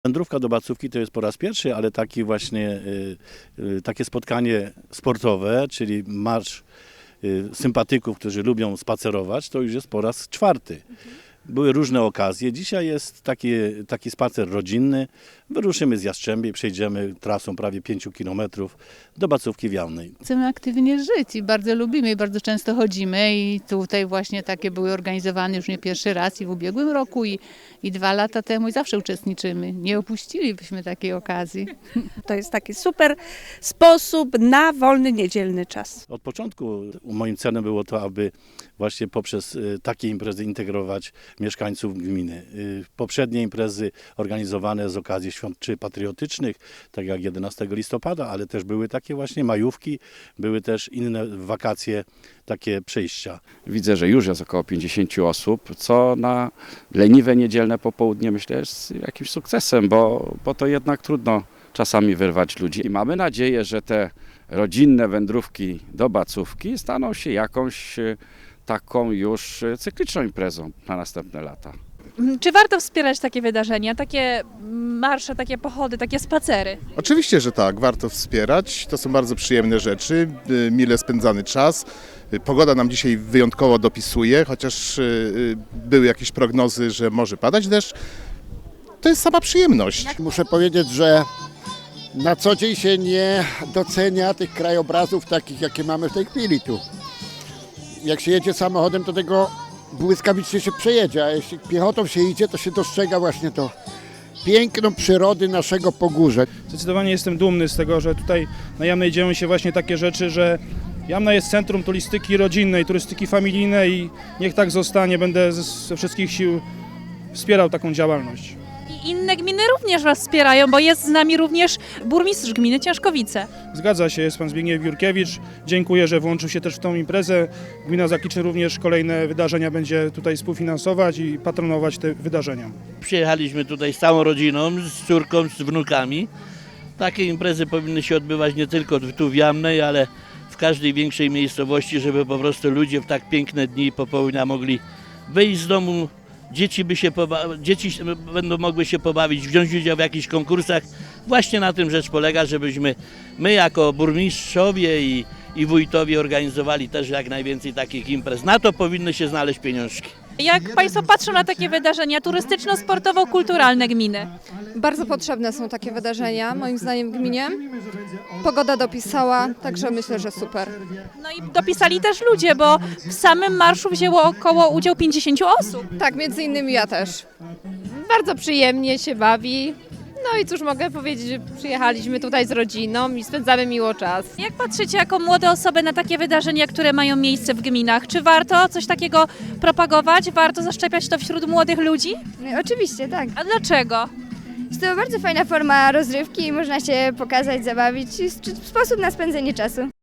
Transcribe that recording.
Wędrówka do Bacówki to jest po raz pierwszy, ale taki właśnie, takie spotkanie sportowe, czyli marsz sympatyków, którzy lubią spacerować, to już jest po raz czwarty. Były różne okazje. Dzisiaj jest taki spacer rodzinny. Wyruszymy z Jastrzębie, przejdziemy trasą prawie 5 kilometrów do Bacówki Wialnej. Chcemy aktywnie żyć i bardzo lubimy i bardzo często chodzimy i tutaj właśnie takie były organizowane już nie pierwszy raz i w ubiegłym roku i 2 lata temu i zawsze uczestniczymy. Nie opuścilibyśmy takiej okazji. To jest taki super sposób na wolny, niedzielny czas. Od początku moim celem było to, aby właśnie poprzez takie imprezy integrować mieszkańców gminy. Poprzednie imprezy organizowane z okazji świąt czy patriotycznych, tak jak 11 listopada, ale też były takie właśnie majówki, były też inne wakacje, takie przejścia. Widzę, że już jest około 50 osób, co na leniwe niedzielne popołudnie myślę jest jakimś sukcesem, bo to jednak trudno czasami wyrwać ludzi. I mamy nadzieję, że te rodzinne wędrówki do Bacówki staną się jakąś taką już cykliczną imprezą na następne lata. Czy warto wspierać takie wydarzenia, takie marsze, takie pochody, takie spacery? Oczywiście, że tak, warto wspierać. To są bardzo przyjemne rzeczy, mile spędzany czas. Pogoda nam dzisiaj wyjątkowo dopisuje, chociaż były jakieś prognozy, że może padać deszcz. To jest sama przyjemność. Muszę powiedzieć, że na co dzień się nie docenia tych krajobrazów takich, jakie mamy w tej chwili tu. Jak się jedzie samochodem, to tego błyskawicznie się przejedzie, a jeśli piechotą się idzie, to się dostrzega właśnie to piękno przyrody naszego Pogórza. Zdecydowanie jestem dumny z tego, że tutaj na Jamnej dzieją się właśnie takie rzeczy, że Jamna jest centrum turystyki rodzinnej, turystyki familijnej i niech tak zostanie. Będę ze wszystkich sił wspierał taką działalność. I inne gminy również Was wspierają, bo jest z nami również burmistrz gminy Ciężkowice. Zgadza się, jest pan Zbigniew Jurkiewicz. Dziękuję, że włączył się też w tą imprezę. Gmina Zakliczy również kolejne wydarzenia będzie tutaj współfinansować i patronować te wydarzenia. Przyjechaliśmy tutaj z całą rodziną, z córką, z wnukami. Takie imprezy powinny się odbywać nie tylko tu w Jamnej, ale w każdej większej miejscowości, żeby po prostu ludzie w tak piękne dni popołudnia mogli wyjść z domu. Dzieci będą mogły się pobawić, wziąć udział w jakichś konkursach. Właśnie na tym rzecz polega, żebyśmy my jako burmistrzowie i wójtowie organizowali też jak najwięcej takich imprez. Na to powinny się znaleźć pieniążki. Jak Państwo patrzą na takie wydarzenia turystyczno-sportowo-kulturalne gminy? Bardzo potrzebne są takie wydarzenia, moim zdaniem, w gminie. Pogoda dopisała, także myślę, że super. No i dopisali też ludzie, bo w samym marszu wzięło udział 50 osób. Tak, między innymi ja też. Bardzo przyjemnie się bawi. No i cóż mogę powiedzieć, że przyjechaliśmy tutaj z rodziną i spędzamy miło czas. Jak patrzycie jako młode osoby na takie wydarzenia, które mają miejsce w gminach? Czy warto coś takiego propagować? Warto zaszczepiać to wśród młodych ludzi? Oczywiście, tak. A dlaczego? Jest to bardzo fajna forma rozrywki i można się pokazać, zabawić. Sposób na spędzenie czasu.